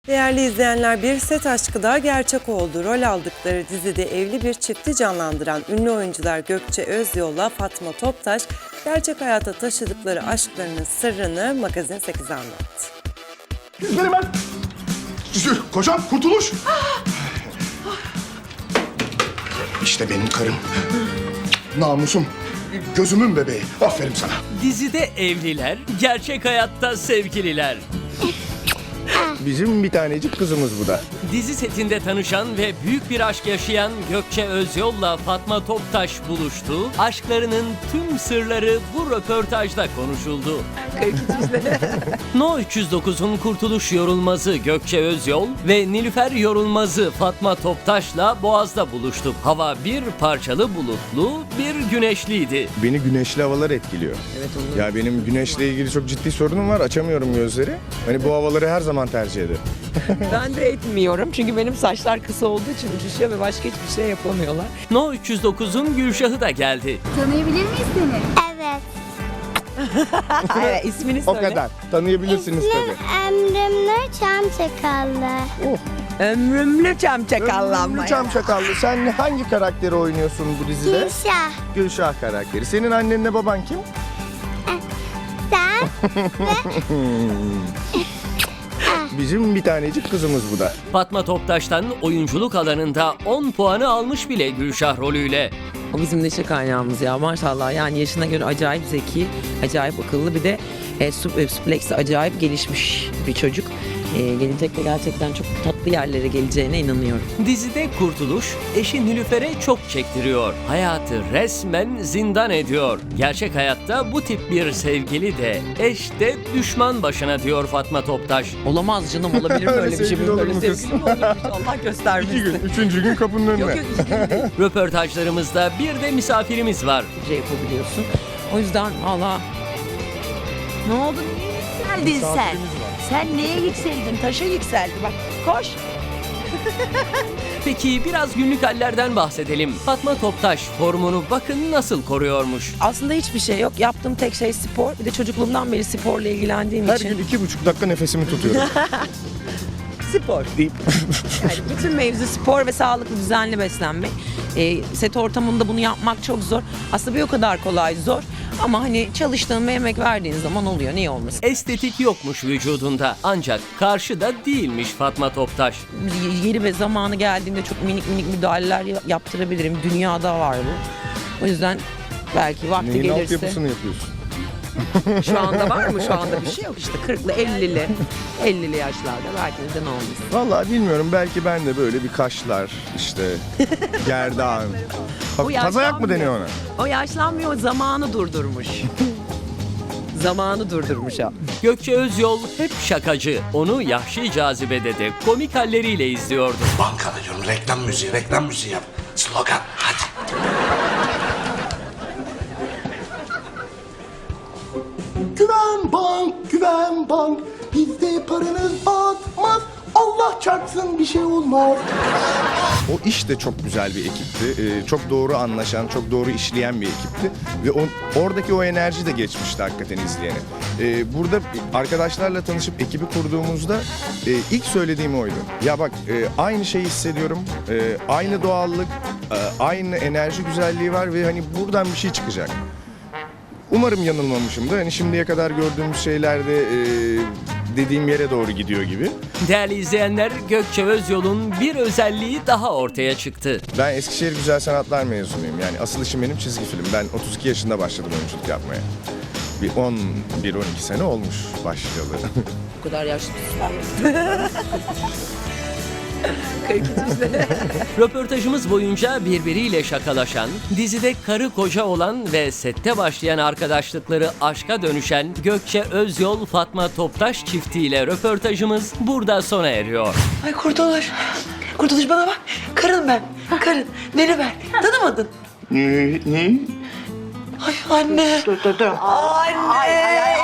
Değerli izleyenler, bir set aşkı daha gerçek oldu. Rol aldıkları dizide evli bir çifti canlandıran ünlü oyuncular Gökçe Özyol'la Fatma Toptaş, gerçek hayata taşıdıkları aşklarının sırrını Magazin 8'e anlattı. Benim ben. Kocam Kurtuluş. İşte benim karım. Namusum. Gözümün bebeği. Aferin sana. Dizide evliler, gerçek hayatta sevgililer. Bizim bir tanecik kızımız bu da. Dizi setinde tanışan ve büyük bir aşk yaşayan Gökçe Özyol'la Fatma Toptaş buluştu. Aşklarının tüm sırları bu röportajda konuşuldu. No 309'un Kurtuluş Yorulmazı Gökçe Özyol ve Nilüfer Yorulmazı Fatma Toptaş'la Boğaz'da buluştuk. Hava bir parçalı bulutlu, bir güneşliydi. Beni güneşli havalar etkiliyor. Evet, ya benim güneşle ilgili çok ciddi sorunum var. Açamıyorum gözleri. Hani bu havaları her zaman tercih ederim. Ben de etmiyorum çünkü benim saçlar kısa olduğu için uçuşuyor ve başka hiçbir şey yapamıyorlar. No 309'un Gülşah'ı da geldi. Tanıyabilir miyiz seni? Evet. Evet, ismini O söyle. kadar. Tanıyabilirsiniz tabii. Emrimle Çamçakallı. Ömrümlü çamçakallanma. Ömrümlü Çamçakallı. Sen hangi karakteri oynuyorsun bu dizide? Gülşah. Gülşah karakteri. Senin annenle baban kim? Sen Bizim bir tanecik kızımız bu da. Fatma Toptaş'tan oyunculuk alanında 10 puanı almış bile Gülşah rolüyle. O bizim neşe kaynağımız ya maşallah. Yani yaşına göre acayip zeki, acayip akıllı, bir de supleksi acayip gelişmiş bir çocuk. Gelecekte gerçekten çok tatlı yerlere geleceğine inanıyorum. Dizide Kurtuluş, eşi Nilüfer'e çok çektiriyor. Hayatı resmen zindan ediyor. Gerçek hayatta bu tip bir sevgili de, eş de düşman başına diyor Fatma Toptaş. Olamaz canım, olabilir mi öyle bir şey? sevgili olur Böyle mu kız? sevgili mi olurmuş? Allah göstermesin. 2 gün, 3. gün kapının önüne. Yok yok, 2 gün değil. Röportajlarımızda bir de misafirimiz var. Şey yapabiliyorsun. O yüzden valla... Ne oldu? Niye yükseldin sen? Sen neye yükseldin? Taşa yükseldi bak. Koş. Peki biraz günlük hallerden bahsedelim. Fatma Toptaş formunu bakın nasıl koruyormuş. Aslında hiçbir şey yok. Yaptığım tek şey spor. Bir de çocukluğumdan beri sporla ilgilendiğim Her için. gün 2,5 dakika nefesimi tutuyorum. Spor. deyip. Yani bütün mevzu spor ve sağlıklı, düzenli beslenmek. Set ortamında bunu yapmak çok zor. Aslında bir o kadar kolay zor. Ama hani çalıştığın ve emek verdiğin zaman oluyor. Niye olmasın? Estetik yokmuş vücudunda ancak karşıda değilmiş Fatma Toptaş. Yeri ve zamanı geldiğinde çok minik minik müdahaleler yaptırabilirim. Dünyada var bu. O yüzden belki vakti Neyin gelirse. altyapısını yapıyorsun? Şu anda var mı? Şu anda bir şey yok işte. 40'lı, 50'li yaşlarda belki de ne olmuş. Vallahi bilmiyorum. Belki ben de böyle bir kaşlar, işte gerdan. Tazayak mı deniyor ona? O yaşlanmıyor, zamanı durdurmuş. Zamanı durdurmuş o. Gökçe Özyol hep şakacı. Onu Yahşi Cazibe'de de komik halleriyle izliyordu. Banka diyorum, reklam müziği yap. Slogan, hadi. Güven bank, bizde paranız batmaz. Allah çarpsın bir şey olmaz. O iş de çok güzel bir ekipti. Çok doğru anlaşan, çok doğru işleyen bir ekipti. Ve oradaki o enerji de geçmişti hakikaten izleyene. Burada arkadaşlarla tanışıp ekibi kurduğumuzda ilk söylediğim oydu. Ya bak aynı şeyi hissediyorum. Aynı doğallık, aynı enerji güzelliği var ve hani buradan bir şey çıkacak. Umarım yanılmamışımdır. Hani şimdiye kadar gördüğümüz şeyler de dediğim yere doğru gidiyor gibi. Değerli izleyenler, Gökçe Özyol'un bir özelliği daha ortaya çıktı. Ben Eskişehir Güzel Sanatlar mezunuyum. Yani asıl işim benim çizgi film. Ben 32 yaşında başladım oyunculuk yapmaya. Bir 11-12 sene olmuş başlayalı. O kadar yaşlı değiller. 42 sene. Röportajımız boyunca birbiriyle şakalaşan, dizide karı koca olan ve sette başlayan arkadaşlıkları aşka dönüşen Gökçe Özyol Fatma Toptaş çiftiyle röportajımız burada sona eriyor. Ay Kurtuluş. Kurtuluş bana bak. Karın ben. Karın. Beni ver. Tanımadın. Ne? Ay anne. Dur. Anne.